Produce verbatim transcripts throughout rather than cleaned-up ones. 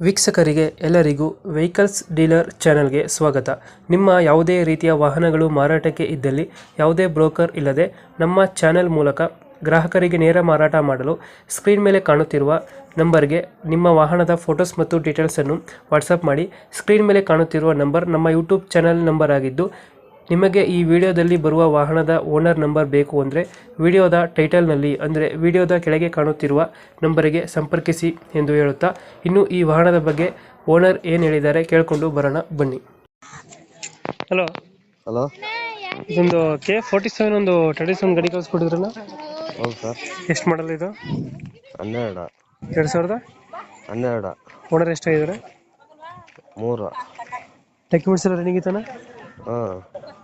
ವೀಕ್ಷಕರಿಗೆ ಎಲ್ಲರಿಗೂ vehicles dealer ಚಾನೆಲ್ಗೆ ಸ್ವಾಗತ. ನಿಮ್ಮ ಯಾವುದೇ ರೀತಿಯ ವಾಹನಗಳು ಮಾರಾಟಕ್ಕೆ ಇದ್ದಲ್ಲಿ ಯಾವುದೇ ಬ್ರೋಕರ್ ಇಲ್ಲದೆ ನಮ್ಮ ಚಾನೆಲ್ ಮೂಲಕ ಗ್ರಾಹಕರಿಗೆ ನೇರ ಮಾರಾಟ ಮಾಡಲು ಸ್ಕ್ರೀನ್ ಮೇಲೆ ಕಾಣುತ್ತಿರುವ ನಂಬರ್ಗೆ ನಿಮ್ಮ ವಾಹನದ ಫೋಟೋಸ್ ಮತ್ತು ಡೀಟೇಲ್ಸನ್ನು ವಾಟ್ಸಪ್ ಮಾಡಿ. ಸ್ಕ್ರೀನ್ ಮೇಲೆ ಕಾಣುತ್ತಿರುವ ನಂಬರ್ ನಮ್ಮ ಯೂಟ್ಯೂಬ್ ಚಾನೆಲ್ ನಂಬರ್ ಆಗಿದ್ದು, ನಿಮಗೆ ಈ ವಿಡಿಯೋದಲ್ಲಿ ಬರುವ ವಾಹನದ ಓನರ್ ನಂಬರ್ ಬೇಕು ಅಂದರೆ ವಿಡಿಯೋದ ಟೈಟಲ್ನಲ್ಲಿ ಅಂದರೆ ವಿಡಿಯೋದ ಕೆಳಗೆ ಕಾಣುತ್ತಿರುವ ನಂಬರಿಗೆ ಸಂಪರ್ಕಿಸಿ ಎಂದು ಹೇಳುತ್ತಾ, ಇನ್ನು ಈ ವಾಹನದ ಬಗ್ಗೆ ಓನರ್ ಏನು ಹೇಳಿದ್ದಾರೆ ಕೇಳಿಕೊಂಡು ಬರೋಣ ಬನ್ನಿ. ಹಲೋ ಹಲೋ, ಇದೊಂದು ಕೆ ಫೋರ್ಟಿ ಸೆವೆನ್ ಒಂದು ಟ್ರೆಡಿಸ್ ಒಂದು ಗಾಡಿ ಕಳಿಸ್ಕೊಟ್ಟಿದ್ರಲ್ಲ, ಹೌದು ಸರ್. ಎಷ್ಟು ಮಾಡಲ್ ಇದು? ಹನ್ನೆರಡು ಎರಡು ಸಾವಿರದ ಹನ್ನೆರಡು ಓನರ್ ಎಷ್ಟಾಗಿದ್ದಾರೆ? ಮೂರು. ಡಾಕ್ಯುಮೆಂಟ್ಸ್ ಎಲ್ಲ ರನ್ನಿಂಗ್ ಇತ್ತಾನ? ಹಾಂ,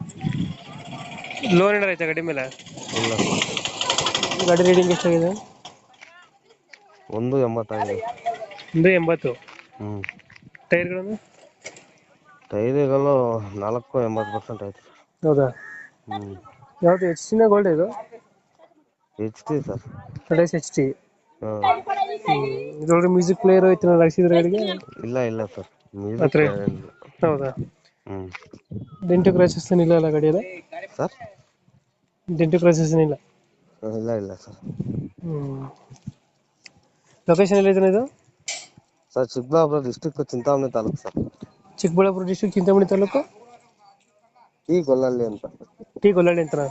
ಲೋನ್ ಏನಾರ ಆಯ್ತಾ ಗಾಡಿ ಮೇಲೆ? ಇಲ್ಲ ಸರ್. ಗಾಡಿ ರೀಡಿಂಗ್ ಎಷ್ಟಾಗಿದೆ? ಒಂದು ಎಂಬತ್ತಾಗಿದೆ. ಒಂದು ಎಂಬತ್ತು. ಹ್ಞೂ. ಟೈರ್ಗಳನ್ನು? ಟೈರಿಗಳು ನಾಲ್ಕು ಎಂಬತ್ತು ಪರ್ಸೆಂಟ್ ಆಯ್ತು ಸರ್. ಹೌದಾ? ಹ್ಞೂ. ಯಾವುದು ಎಚ್ ಟಿನ ಗೋಲ್ಡ್ ಇದು? H T sir. ಟೊಡೆಸ್ ಎಚ್ ಟಿ. ಹಾಂ. ಇದೊಳಗೆ ಮ್ಯೂಸಿಕ್ ಪ್ಲೇಯರ್ ಐತೆ ಹಾಕ್ಸಿದ್ರೆ ಗಾಡಿಗೆ? ಇಲ್ಲ ಇಲ್ಲ ಸರ್, ಹತ್ರ. ಮ್ಯೂಸಿಕ್. ಹೌದಾ? ಹ್ಞೂ. ಡೆಂಟು ಕ್ರಾಚಸ್ ಇಲ್ಲ ಅಲ್ಲ ಗಾಡಿಯಲ್ಲಿ? ಸರ್, ಡೆಂಟು ಕ್ರಾಚಸ್ ಇಲ್ಲ? ಇಲ್ಲ ಇಲ್ಲ ಸರ್. ಹ್ಞೂ. ಲೊಕೇಶನ್ ಎಲ್ಲಿದೆ ಇದು? Sir, Chikkaballapur district, Chintamani taluk sir. Chikkaballapur district, Chintamani taluk, ಈ ಗೊಲ್ಲಳ್ಳಿ ಅಂತ. ಟಿ ಗೊಲ್ಲಳ್ಳಿ ಅಂತ.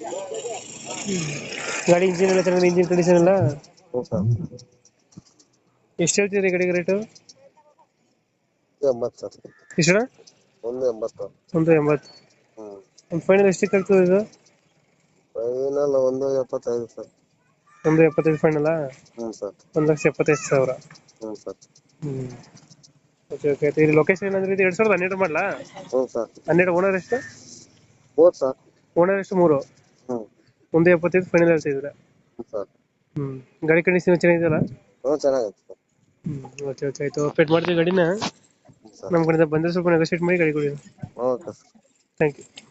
ಗಾಡಿ ಇಂಜಿನ್ ಎಲ್ಲ ಚೆನ್ನಾಗಿದೆ? ಇಂಜಿನ್ ಕಂಡೀಷನ್ ಎಲ್ಲ? ಹ್ಞೂ ಸರ್. ಎಷ್ಟು ಹೇಳ್ತಿದ್ರಿ ಗಾಡಿಗೆ ರೇಟು? ಎಂಬತ್ತು ಸರ್. ಎಷ್ಟು? ಒಂದು ಎಂಬತ್ತು. ಒಂದು ಎಂಬತ್ತು. ಹ್ಞೂ. ಒಂದು ಫೈನಲ್ ಎಷ್ಟಕ್ಕೆ ಆಗ್ತದೆ ಇದು? ಫೈನಲ್ ಒಂದು ಎಪ್ಪತ್ತೈದು ಸರ್. ಒಂದು ಎಪ್ಪತ್ತೈದು ಫೈನಲ್ಲ? ಹ್ಞೂ ಸರ್. ಒಂದು ಲಕ್ಷ ಎಪ್ಪತ್ತೈದು ಸಾವಿರ. ಹ್ಞೂ ಸರ್. ಹ್ಞೂ. Okay okay. ಇದು ಲೊಕೇಶನ್ ಏನಂದ್ರೆ ಇದು ಎರಡು ಸಾವಿರದ ಹನ್ನೆರಡು ಮಾಡಲಾ? ಹ್ಞೂ ಸರ್. ಹನ್ನೆರಡು. ಓನರ್ ಎಷ್ಟು? ಮೂರು ಸರ್. ಓನರ್ ಎಷ್ಟು? ಮೂರು. ಹ್ಞೂ. ಒಂದು ಎಪ್ಪತ್ತೈದು ಫೈನಲ್ ಹೇಳ್ತಿದ್ರೆ? ಹ್ಞೂ ಸರ್. ಹ್ಞೂ. ಗಾಡಿ ಕಂಡೀಷನ್ ಚೆನ್ನಾಗಿದೆಯಲ್ಲ? ಹ್ಞೂ, ಚೆನ್ನಾಗೈತೆ ಸರ್. ಹ್ಞೂ. ಓಕೆ ಓಕೆ ಆಯಿತು. ಅಪ್ಡೇಟ್ ಮಾಡ್ತೀವಿ ಗಾಡಿನ. ಸರ್. ನಮ್ಮ ಕಡೆಯಿಂದ ಬಂದರೆ ಸ್ವಲ್ಪ ನೆಗೋಶಿಯೇಟ್ ಮಾಡಿ ಗಾಡಿ ಕೊಡಿ. Okay sir. Thank you.